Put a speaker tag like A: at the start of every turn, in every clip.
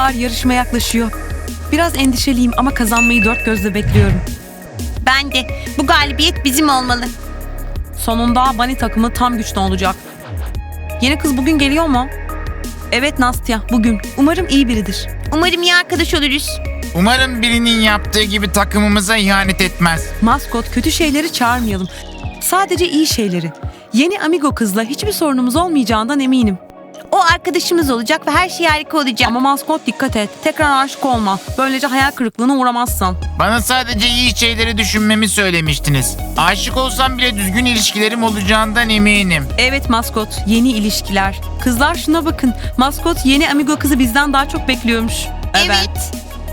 A: Kızlar yarışma yaklaşıyor. Biraz endişeliyim ama kazanmayı dört gözle bekliyorum.
B: Ben de. Bu galibiyet bizim olmalı.
A: Sonunda Bunny takımı tam güçlü olacak. Yeni kız bugün geliyor mu? Evet Nastya, bugün. Umarım iyi biridir.
B: Umarım iyi arkadaş oluruz.
C: Umarım birinin yaptığı gibi takımımıza ihanet etmez.
A: Maskot, kötü şeyleri çağırmayalım. Sadece iyi şeyleri. Yeni amigo kızla hiçbir sorunumuz olmayacağından eminim.
B: O arkadaşımız olacak ve her şey harika olacak.
A: Ama maskot dikkat et. Tekrar aşık olma. Böylece hayal kırıklığına uğramazsan.
C: Bana sadece iyi şeyleri düşünmemi söylemiştiniz. Aşık olsam bile düzgün ilişkilerim olacağından eminim.
A: Evet maskot, yeni ilişkiler. Kızlar şuna bakın. Maskot yeni amigo kızı bizden daha çok bekliyormuş.
B: Evet.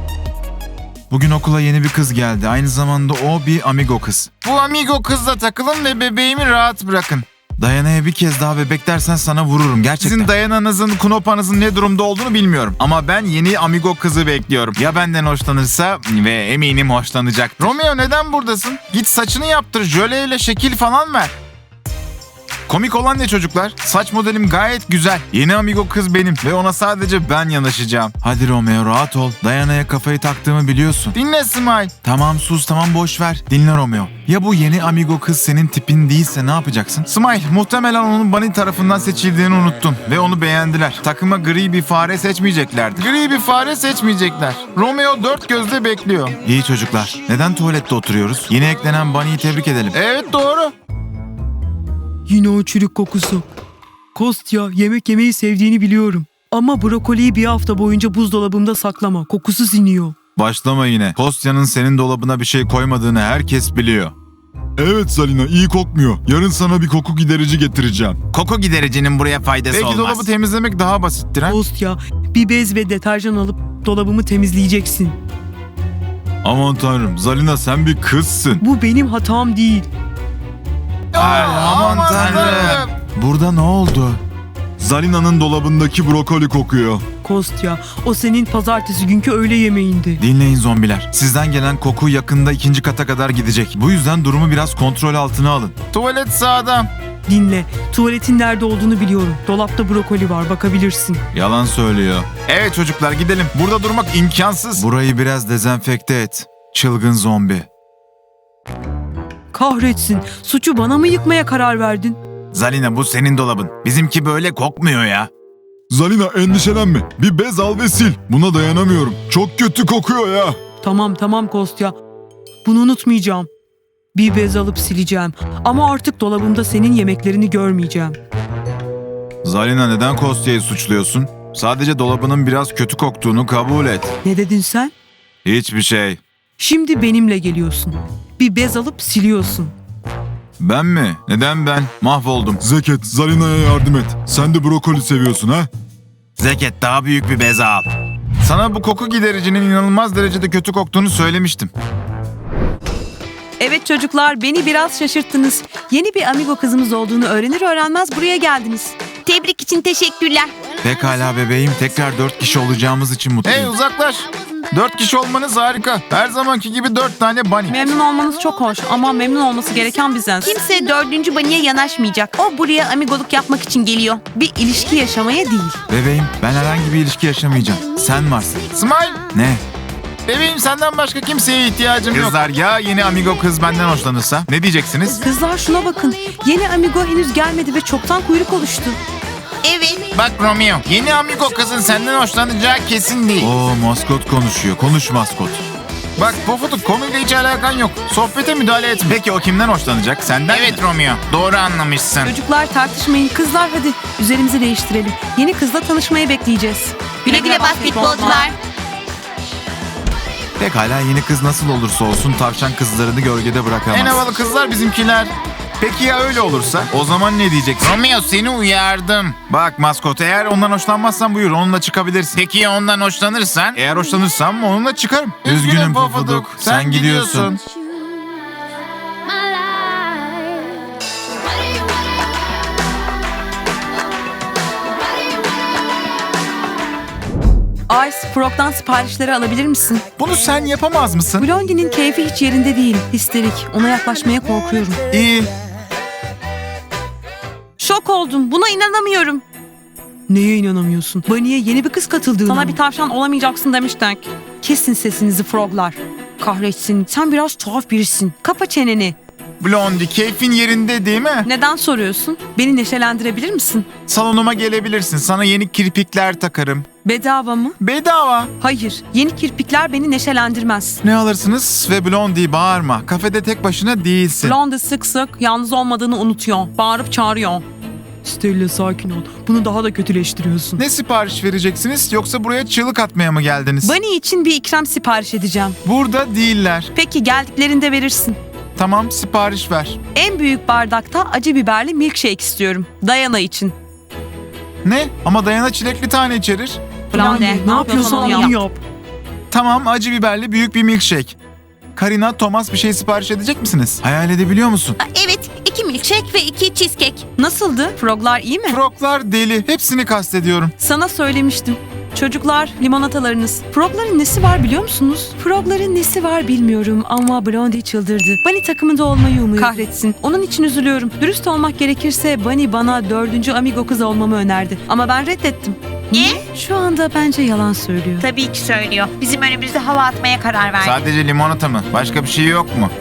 D: Bugün okula yeni bir kız geldi. Aynı zamanda o bir amigo kız.
C: Bu amigo kızla takılın ve bebeğimi rahat bırakın.
D: Dayana'ya bir kez daha bebek dersen sana vururum gerçekten.
C: Sizin Dayana'nızın, Knopa'nızın ne durumda olduğunu bilmiyorum. Ama ben yeni amigo kızı bekliyorum. Ya benden hoşlanırsa ve eminim hoşlanacak. Romeo neden buradasın? Git saçını yaptır, jöleyle şekil falan ver. Komik olan ne çocuklar? Saç modelim gayet güzel. Yeni amigo kız benim ve ona sadece ben yanaşacağım.
D: Hadi Romeo rahat ol. Dayana'ya kafayı taktığımı biliyorsun.
C: Dinle Smile.
D: Tamam sus tamam boş ver. Dinle Romeo. Ya bu yeni amigo kız senin tipin değilse ne yapacaksın?
C: Smile, muhtemelen onun Bunny tarafından seçildiğini unuttun ve onu beğendiler. Takıma gri bir fare seçmeyeceklerdi. Gri bir fare seçmeyecekler. Romeo dört gözle bekliyor.
D: İyi çocuklar. Neden tuvalette oturuyoruz? Yeni eklenen Bunny'yi tebrik edelim.
C: Evet doğru.
E: Yine o çürük kokusu. Kostya, yemek yemeyi sevdiğini biliyorum. Ama brokoliyi bir hafta boyunca buzdolabımda saklama. Kokusu siniyor.
D: Başlama yine. Kostya'nın senin dolabına bir şey koymadığını herkes biliyor. Evet Zalina iyi kokmuyor. Yarın sana bir koku giderici getireceğim.
C: Koku gidericinin buraya faydası
D: Belki
C: olmaz.
D: dolabı
C: temizlemek daha basittir ha?
E: Kostya, bir bez ve deterjan alıp dolabımı temizleyeceksin.
D: Aman tanrım Zalina sen bir kızsın.
E: Bu benim hatam değil.
D: Aman tanrım. Burada ne oldu? Zalina'nın dolabındaki brokoli kokuyor.
E: Kostya, o senin pazartesi günkü öğle yemeğindi.
D: Dinleyin zombiler. Sizden gelen koku yakında 2. kata kadar gidecek. Bu yüzden durumu biraz kontrol altına alın.
C: Tuvalet sağda.
E: Dinle, tuvaletin nerede olduğunu biliyorum. Dolapta brokoli var, bakabilirsin.
D: Yalan söylüyor.
C: Evet çocuklar gidelim. Burada durmak imkansız.
D: Burayı biraz dezenfekte et. Çılgın zombi.
E: Kahretsin, suçu bana mı yıkmaya karar verdin?
C: Zalina bu senin dolabın. Bizimki böyle kokmuyor ya.
D: Zalina endişelenme. Bir bez al ve sil. Buna dayanamıyorum. Çok kötü kokuyor ya.
E: Tamam Kostya. Bunu unutmayacağım. Bir bez alıp sileceğim. Ama artık dolabımda senin yemeklerini görmeyeceğim.
D: Zalina neden Kostya'yı suçluyorsun? Sadece dolabının biraz kötü koktuğunu kabul et.
E: Ne dedin sen?
D: Hiçbir şey.
E: Şimdi benimle geliyorsun. Bir bez alıp siliyorsun.
D: Ben mi? Neden ben? Mahvoldum.
F: Zeket, Zalina'ya yardım et. Sen de brokoli seviyorsun ha?
C: Zeket daha büyük bir bez al. Sana bu koku gidericinin inanılmaz derecede kötü koktuğunu söylemiştim.
A: Evet çocuklar, beni biraz şaşırttınız. Yeni bir amigo kızımız olduğunu öğrenir öğrenmez buraya geldiniz.
B: Tebrik için teşekkürler.
D: Pekala bebeğim. Tekrar 4 kişi olacağımız için mutluyum.
C: Hey uzaklaş. 4 kişi olmanız harika. Her zamanki gibi 4 tane bunny.
A: Memnun olmanız çok hoş ama memnun olması gereken biziz.
B: Kimse dördüncü Bunny'e yanaşmayacak. O buraya amigoluk yapmak için geliyor.
A: Bir ilişki yaşamaya değil.
D: Bebeğim ben herhangi bir ilişki yaşamayacağım. Sen varsın.
C: Smile.
D: Ne?
C: Bebeğim senden başka kimseye ihtiyacım yok. Kızlar ya yeni amigo kız benden hoşlanırsa ne diyeceksiniz?
A: Kızlar şuna bakın. Yeni amigo henüz gelmedi ve çoktan kuyruk oluştu.
B: Evet.
C: Bak Romeo, yeni amigo kızın senden hoşlanacağı kesin değil.
D: Oo maskot konuşuyor. Konuş maskot.
C: Bak Pofuduk konuyla hiç alakan yok. Sohbete müdahale etme. Peki o kimden hoşlanacak? Senden Evet Romeo, doğru anlamışsın.
A: Çocuklar tartışmayın. Kızlar hadi üzerimizi değiştirelim. Yeni kızla tanışmayı bekleyeceğiz.
B: Güle güle basketbolcular.
D: Pekala yeni kız nasıl olursa olsun tavşan kızlarını gölgede bırakamaz.
C: En havalı kızlar bizimkiler. Peki ya öyle olursa? O zaman ne diyeceksin? Romeo seni uyardım. Bak maskot eğer ondan hoşlanmazsan buyur onunla çıkabilirsin. Peki ya ondan hoşlanırsan? Eğer hoşlanırsam onunla çıkarım.
D: Üzgünüm Pofuduk, sen gidiyorsun.
A: Ice, Frog'dan siparişleri alabilir misin?
C: Bunu sen yapamaz mısın?
A: Blondie'nin keyfi hiç yerinde değil. Histerik. Ona yaklaşmaya korkuyorum.
C: İyi.
A: Şok oldum. Buna inanamıyorum.
E: Neye inanamıyorsun? Bunny'e yeni bir kız katıldığına
A: Sana
E: mı?
A: bir tavşan olamayacaksın demiştik. Kesin sesinizi froglar. Kahretsin, sen biraz tuhaf birisin. Kapa çeneni.
C: Blondie, keyfin yerinde değil mi?
A: Neden soruyorsun? Beni neşelendirebilir misin?
C: Salonuma gelebilirsin. Sana yeni kirpikler takarım.
A: Bedava mı?
C: Bedava.
A: Hayır, yeni kirpikler beni neşelendirmez.
C: Ne alırsınız? Ve Blondie, bağırma. Kafede tek başına değilsin.
A: Blondie sık sık yalnız olmadığını unutuyor. Bağırıp çağırıyor.
E: Stella sakin ol. Bunu daha da kötüleştiriyorsun.
C: Ne sipariş vereceksiniz, yoksa buraya çığlık atmaya mı geldiniz?
A: Bunny için bir ikram sipariş edeceğim.
C: Burada değiller.
A: Peki geldiklerinde verirsin.
C: Tamam, sipariş ver.
A: En büyük bardakta acı biberli milkshake istiyorum. Dayana için.
C: Ne? Ama Dayana çilekli tane içerir.
A: Blondie,
E: ne yapıyorsan onu yap.
C: Tamam, acı biberli büyük bir milkshake. Karina, Thomas bir şey sipariş edecek misiniz? Hayal edebiliyor musun?
B: Evet, 2 milkshake ve 2 cheesecake.
A: Nasıldı? Froglar iyi mi?
C: Froglar deli. Hepsini kastediyorum.
A: Sana söylemiştim. Çocuklar, limonatalarınız. Frogların nesi var biliyor musunuz? Frogların nesi var bilmiyorum ama Blondie çıldırdı. Bunny takımında olmayı umuyor. Kahretsin. Onun için üzülüyorum. Dürüst olmak gerekirse Bunny bana 4. amigo kız olmamı önerdi. Ama ben reddettim.
B: Niye?
A: Şu anda bence yalan söylüyor.
B: Tabii ki söylüyor. Bizim önümüzde hava atmaya karar verdi.
C: Sadece limonata mı? Başka bir şey yok mu?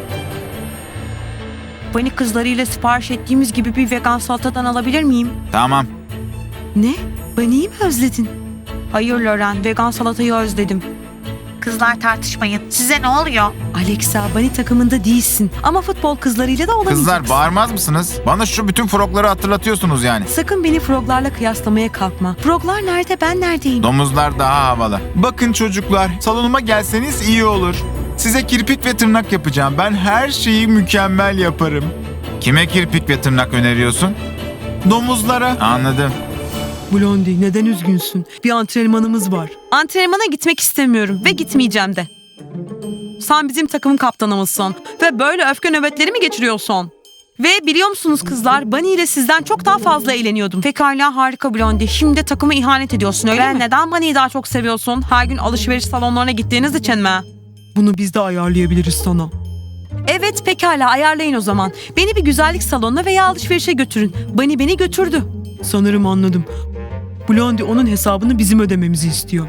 A: Bunny kızlarıyla sipariş ettiğimiz gibi bir vegan salatadan alabilir miyim?
C: Tamam.
A: Ne? Bunny'yi mi özledin? Hayır Loren, vegan salatayı özledim.
B: Kızlar tartışmayın. Size ne oluyor?
A: Alexa, Bunny takımında değilsin. Ama futbol kızlarıyla da olamayacaksın.
C: Kızlar, bağırmaz mısınız? Bana şu bütün frogları hatırlatıyorsunuz yani.
A: Sakın beni froglarla kıyaslamaya kalkma. Froglar nerede, ben neredeyim?
C: Domuzlar daha havalı. Bakın çocuklar, salonuma gelseniz iyi olur. Size kirpik ve tırnak yapacağım. Ben her şeyi mükemmel yaparım. Kime kirpik ve tırnak öneriyorsun? Domuzlara. Anladım.
E: Blondie neden üzgünsün? Bir antrenmanımız var.
A: Antrenmana gitmek istemiyorum ve gitmeyeceğim de. Sen bizim takımın kaptanımızsın ve böyle öfke nöbetleri mi geçiriyorsun? Ve biliyor musunuz kızlar, Bunny ile sizden çok daha fazla eğleniyordum. Pekala, harika Blondie. Şimdi de takıma ihanet ediyorsun öyle mi? Neden Bunny'yi daha çok seviyorsun? Her gün alışveriş salonlarına gittiğiniz için mi?
E: Bunu biz de ayarlayabiliriz sana.
A: Evet, pekala, ayarlayın o zaman. Beni bir güzellik salonuna veya alışverişe götürün. Bunny beni götürdü.
E: Sanırım anladım. Blondie onun hesabını bizim ödememizi istiyor.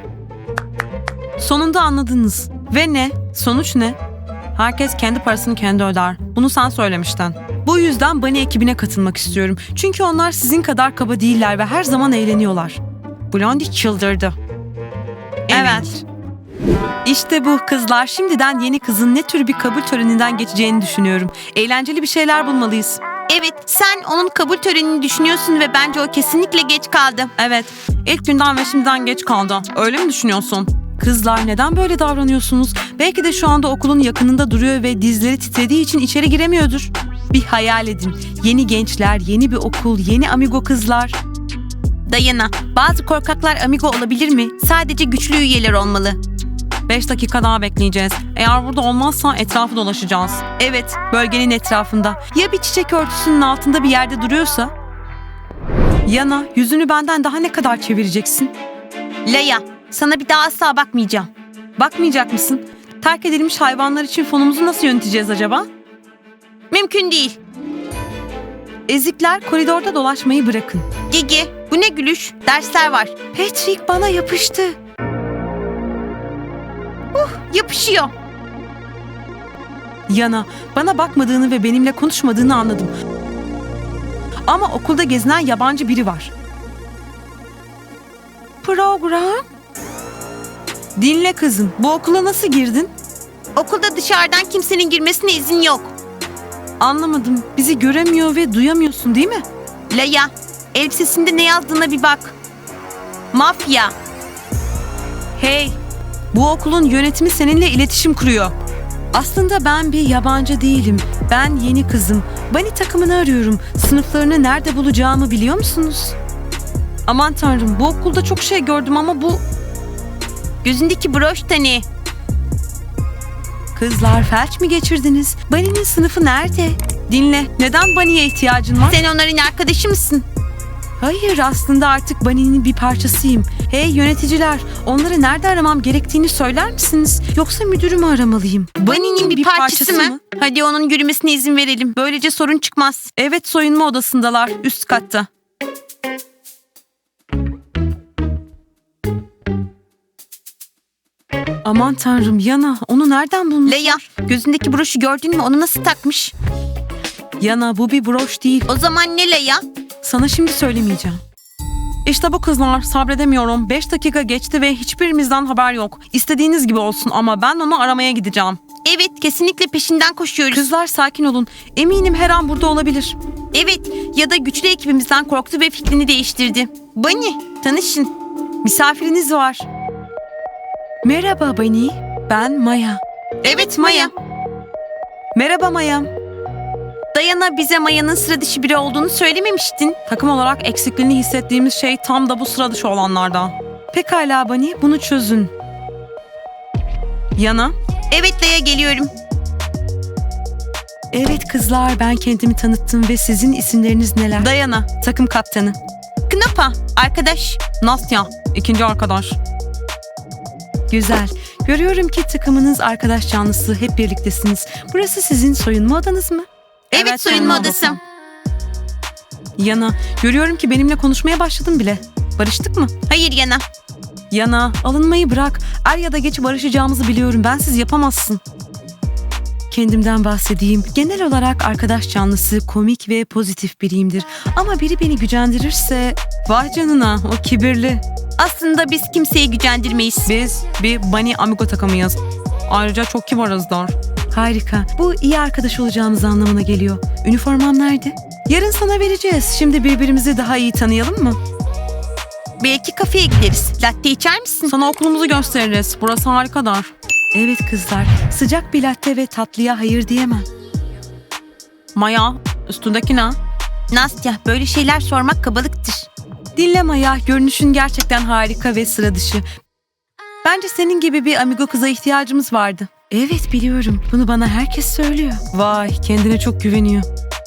A: Sonunda anladınız. Ve ne? Sonuç ne? Herkes kendi parasını kendi öder. Bunu sen söylemiştin. Bu yüzden Bunny ekibine katılmak istiyorum. Çünkü onlar sizin kadar kaba değiller ve her zaman eğleniyorlar. Blondie çıldırdı. Evet. İşte bu kızlar. Şimdiden yeni kızın ne tür bir kabul töreninden geçeceğini düşünüyorum. Eğlenceli bir şeyler bulmalıyız.
B: Evet, sen onun kabul törenini düşünüyorsun ve bence o kesinlikle geç kaldı.
A: Evet. İlk günden ve şimdiden geç kaldı. Öyle mi düşünüyorsun? Kızlar neden böyle davranıyorsunuz? Belki de şu anda okulun yakınında duruyor ve dizleri titrediği için içeri giremiyordur. Bir hayal edin. Yeni gençler, yeni bir okul, yeni amigo kızlar.
B: Dayana, bazı korkaklar amigo olabilir mi? Sadece güçlü üyeler olmalı.
A: 5 dakika daha bekleyeceğiz. Eğer burada olmazsa etrafı dolaşacağız. Evet, bölgenin etrafında. Ya bir çiçek örtüsünün altında bir yerde duruyorsa? Yana, yüzünü benden daha ne kadar çevireceksin?
B: Leia, sana bir daha asla bakmayacağım.
A: Bakmayacak mısın? Terk edilmiş hayvanlar için fonumuzu nasıl yöneteceğiz acaba?
B: Mümkün değil.
A: Ezikler, koridorda dolaşmayı bırakın.
B: Gigi, bu ne gülüş? Dersler var.
A: Patrick bana yapıştı.
B: Yapışıyor.
A: Yana, bana bakmadığını ve benimle konuşmadığını anladım. Ama okulda gezinen yabancı biri var. Program? Dinle kızım, bu okula nasıl girdin?
B: Okulda dışarıdan kimsenin girmesine izin yok.
A: Anlamadım, bizi göremiyor ve duyamıyorsun değil mi?
B: Leia, elbisesinde ne yazdığına bir bak. Mafya.
A: Hey, bu okulun yönetimi seninle iletişim kuruyor. Aslında ben bir yabancı değilim. Ben yeni kızım. Bunny takımını arıyorum. Sınıflarını nerede bulacağımı biliyor musunuz? Aman tanrım, bu okulda çok şey gördüm ama bu...
B: Gözündeki broş da ne?
A: Kızlar, felç mi geçirdiniz? Bunny'nin sınıfı nerede? Dinle, neden Bunny'ye ihtiyacın var?
B: Sen onların arkadaşı mısın?
A: Hayır, aslında artık Bunny'nin bir parçasıyım. Hey yöneticiler, onları nerede aramam gerektiğini söyler misiniz? Yoksa müdürümü aramalıyım.
B: Bunny'nin bir parçası mı? Hadi onun yürümesine izin verelim. Böylece sorun çıkmaz.
A: Evet, soyunma odasındalar, üst katta. Aman tanrım Yana, onu nereden buldun?
B: Leia, gözündeki broşu gördün mü? Onu nasıl takmış?
A: Yana, bu bir broş değil.
B: O zaman ne Leia?
A: Sana şimdi söylemeyeceğim. İşte bu kızlar, sabredemiyorum. 5 dakika geçti ve hiçbirimizden haber yok. İstediğiniz gibi olsun ama ben onu aramaya gideceğim.
B: Evet, kesinlikle peşinden koşuyoruz.
A: Kızlar sakin olun. Eminim her an burada olabilir.
B: Evet, ya da güçlü ekibimizden korktu ve fikrini değiştirdi. Bunny, tanışın.
A: Misafiriniz var. Merhaba Bunny. Ben Maya.
B: Evet, Maya.
A: Merhaba Maya.
B: Dayana bize Maya'nın sıra dışı biri olduğunu söylememiştin.
A: Takım olarak eksikliğini hissettiğimiz şey tam da bu sıra dışı olanlardan. Pekala Bunny, bunu çözün. Yana.
B: Evet Leia, geliyorum.
A: Evet kızlar, ben kendimi tanıttım ve sizin isimleriniz neler? Dayana, takım kaptanı.
B: Knapa, arkadaş.
A: Nastya, ikinci arkadaş. Güzel. Görüyorum ki takımınız arkadaş canlısı, hep birliktesiniz. Burası sizin soyunma odanız mı?
B: Evet, soyunma odası.
A: Yana, görüyorum ki benimle konuşmaya başladın bile. Barıştık mı?
B: Hayır Yana.
A: Yana, alınmayı bırak. Er ya da geç barışacağımızı biliyorum. Bensiz yapamazsın. Kendimden bahsedeyim. Genel olarak arkadaş canlısı, komik ve pozitif biriyimdir. Ama biri beni gücendirirse... Vay canına, o kibirli.
B: Aslında biz kimseyi gücendirmeyiz.
A: Biz bir Bunny Amigo takımıyız. Ayrıca çok kibarızdır. Harika. Bu iyi arkadaş olacağımız anlamına geliyor. Üniformam nerede? Yarın sana vereceğiz. Şimdi birbirimizi daha iyi tanıyalım mı?
B: Belki kafeye gideriz. Latte içer misin?
A: Sana okulumuzu gösteririz. Burası harikadır. Evet kızlar. Sıcak bir latte ve tatlıya hayır diyemem. Maya, üstündeki ne?
B: Nastya, böyle şeyler sormak kabalıktır.
A: Dinle Maya, görünüşün gerçekten harika ve sıra dışı. Bence senin gibi bir amigo kıza ihtiyacımız vardı. Evet biliyorum. Bunu bana herkes söylüyor. Vay, kendine çok güveniyor.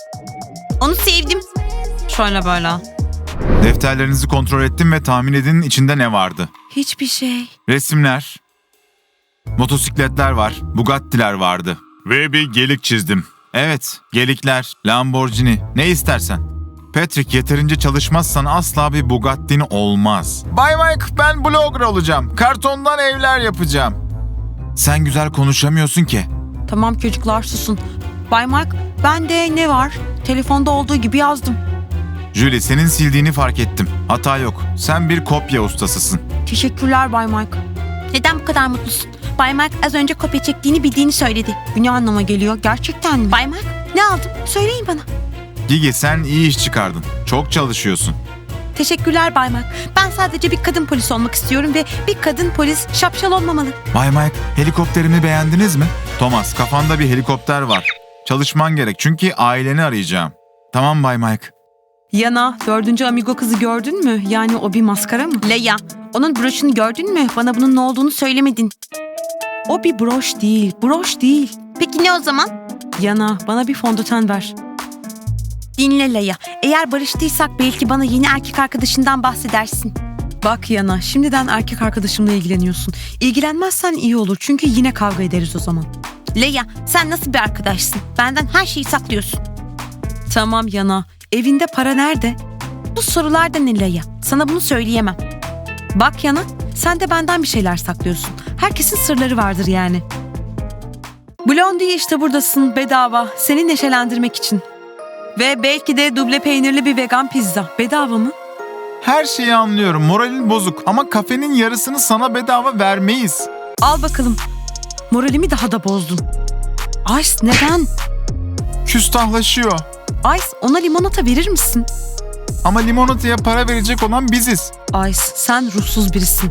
B: Onu sevdim.
A: Şöyle böyle.
C: Defterlerinizi kontrol ettim ve tahmin edin içinde ne vardı?
A: Hiçbir şey.
C: Resimler, motosikletler var, Bugatti'ler vardı. Ve bir gelik çizdim. Evet, gelikler, Lamborghini, ne istersen. Patrick, yeterince çalışmazsan asla bir Bugatti'nin olmaz. Bay Mike, ben blogger olacağım. Kartondan evler yapacağım. Sen güzel konuşamıyorsun ki.
A: Tamam çocuklar susun. Bay Mark, bende ne var? Telefonda olduğu gibi yazdım.
C: Julie, senin sildiğini fark ettim. Hata yok. Sen bir kopya ustasısın.
A: Teşekkürler Bay Mark.
B: Neden bu kadar mutlusun? Bay Mark az önce kopya çektiğini bildiğini söyledi.
A: Bu ne anlama geliyor? Gerçekten mi?
B: Bay Mark, ne aldın? Söyleyin bana.
C: Gigi, sen iyi iş çıkardın. Çok çalışıyorsun.
B: Teşekkürler Bay Mark. Ben sadece bir kadın polis olmak istiyorum ve bir kadın polis şapşal olmamalı.
C: Bay Mike, helikopterimi beğendiniz mi? Thomas, kafanda bir helikopter var. Çalışman gerek çünkü aileni arayacağım. Tamam Bay Mike.
A: Yana, 4. amigo kızı gördün mü? Yani o bir maskara mı?
B: Leia, onun broşunu gördün mü? Bana bunun ne olduğunu söylemedin.
A: O bir broş değil, broş değil.
B: Peki ne o zaman?
A: Yana, bana bir fondöten ver.
B: Dinle Leia. Eğer barıştıysak belki bana yeni erkek arkadaşından bahsedersin.
A: Bak Yana, şimdiden erkek arkadaşımla ilgileniyorsun. İlgilenmezsen iyi olur çünkü yine kavga ederiz o zaman.
B: Leia, sen nasıl bir arkadaşsın? Benden her şeyi saklıyorsun.
A: Tamam Yana, evinde para nerede?
B: Bu sorular da ne Leia? Sana bunu söyleyemem.
A: Bak Yana, sen de benden bir şeyler saklıyorsun. Herkesin sırları vardır yani. Blondie, işte buradasın bedava. Seni neşelendirmek için. Ve belki de duble peynirli bir vegan pizza. Bedava mı?
C: Her şeyi anlıyorum. Moralin bozuk ama kafenin yarısını sana bedava vermeyiz.
A: Al bakalım. Moralimi daha da bozdun. Ice, neden?
C: Küstahlaşıyor.
A: Ice, ona limonata verir misin?
C: Ama limonataya para verecek olan biziz.
A: Ice, sen ruhsuz birisin.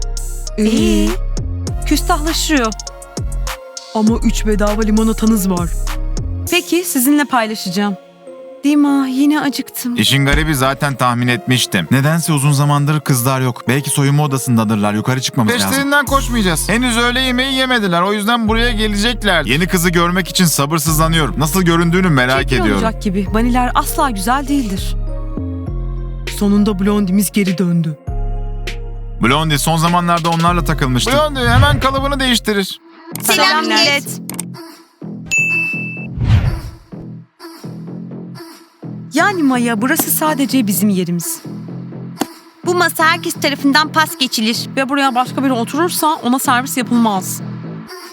A: Küstahlaşıyor.
E: Ama 3 bedava limonatanız var.
A: Peki, sizinle paylaşacağım. Dima, yine acıktım.
C: İşin garibi zaten tahmin etmiştim. Nedense uzun zamandır kızlar yok. Belki soyunma odasındadırlar. Yukarı çıkmamız lazım. Peşlerinden koşmayacağız. Henüz öğle yemeği yemediler. O yüzden buraya gelecekler. Yeni kızı görmek için sabırsızlanıyorum. Nasıl göründüğünü merak
A: Çirkin
C: ediyorum.
A: olacak gibi. Baniler asla güzel değildir.
E: Sonunda Blondie'miz geri döndü.
C: Blondie son zamanlarda onlarla takılmıştı. Blondie hemen kalıbını değiştirir.
B: Selam millet.
A: Yani Maya, burası sadece bizim yerimiz.
B: Bu masa herkes tarafından pas geçilir.
A: Ve buraya başka biri oturursa ona servis yapılmaz.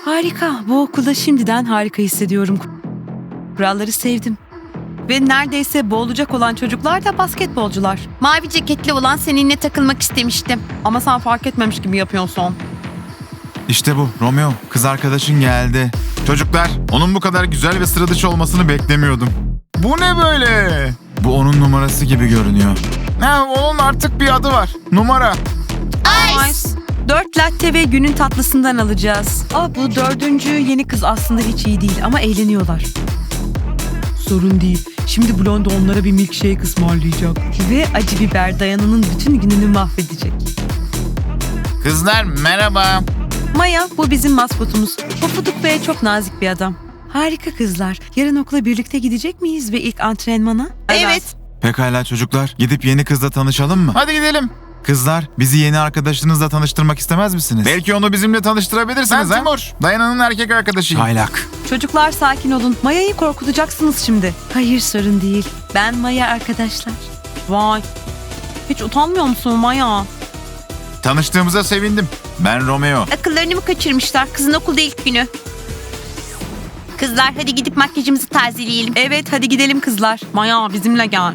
A: Harika. Bu okulda şimdiden harika hissediyorum. Kuralları sevdim. Ve neredeyse boğulacak olan çocuklar da basketbolcular.
B: Mavi ceketli olan seninle takılmak istemiştim.
A: Ama sen fark etmemiş gibi yapıyorsun.
C: İşte bu Romeo. Kız arkadaşın geldi. Çocuklar, onun bu kadar güzel ve sıra dışı olmasını beklemiyordum. Bu ne böyle? Bu onun numarası gibi görünüyor. Ha, onun artık bir adı var. Numara.
B: Ice.
A: 4 latte ve günün tatlısından alacağız. Bu 4. yeni kız aslında hiç iyi değil ama eğleniyorlar.
E: Sorun değil. Şimdi Blondie onlara bir milkshake ısmarlayacak.
A: Ve acı biber Dayana'nın bütün gününü mahvedecek.
C: Kızlar merhaba.
A: Maya, bu bizim maskotumuz. Pofuduk ve çok nazik bir adam. Harika kızlar. Yarın okula birlikte gidecek miyiz ve ilk antrenmana?
B: Evet.
C: Pekala çocuklar, gidip yeni kızla tanışalım mı? Hadi gidelim. Kızlar, bizi yeni arkadaşınızla tanıştırmak istemez misiniz? Belki onu bizimle tanıştırabilirsiniz. Ben Timur, Dayana'nın erkek arkadaşıyım. Çaylak.
A: Çocuklar sakin olun. Maya'yı korkutacaksınız şimdi. Hayır sorun değil. Ben Maya arkadaşlar. Vay. Hiç utanmıyor musun Maya?
C: Tanıştığımıza sevindim. Ben Romeo.
B: Akıllarını mı kaçırmışlar? Kızın okulda ilk günü. Kızlar hadi gidip makyajımızı tazeleyelim.
A: Evet hadi gidelim kızlar. Maya bizimle gel.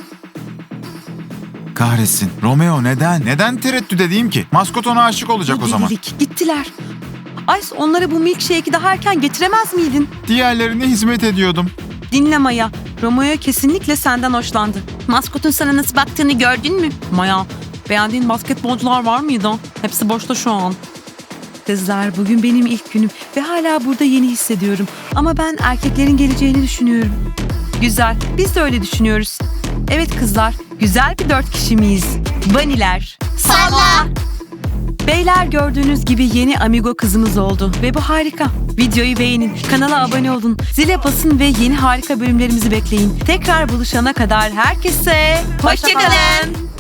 C: Kahretsin. Romeo neden? Neden tereddüt edeyim ki? Maskot ona aşık olacak
A: Bu
C: o zaman.
A: delilik. Gittiler. Ice onlara bu milkshake'i daha erken getiremez miydin?
C: Diğerlerine hizmet ediyordum.
A: Dinle Maya. Romeo kesinlikle senden hoşlandı.
B: Maskotun sana nasıl baktığını gördün mü?
A: Maya, beğendiğin basketbolcular var mıydı? Hepsi boşta şu an. Kızlar bugün benim ilk günüm ve hala burada yeni hissediyorum. Ama ben erkeklerin geleceğini düşünüyorum. Güzel, biz de öyle düşünüyoruz. Evet kızlar, güzel bir 4 kişi miyiz? Baniler.
B: Salla.
A: Beyler gördüğünüz gibi yeni amigo kızımız oldu ve bu harika. Videoyu beğenin, kanala abone olun, zile basın ve yeni harika bölümlerimizi bekleyin. Tekrar buluşana kadar herkese
B: Hoşça kalın.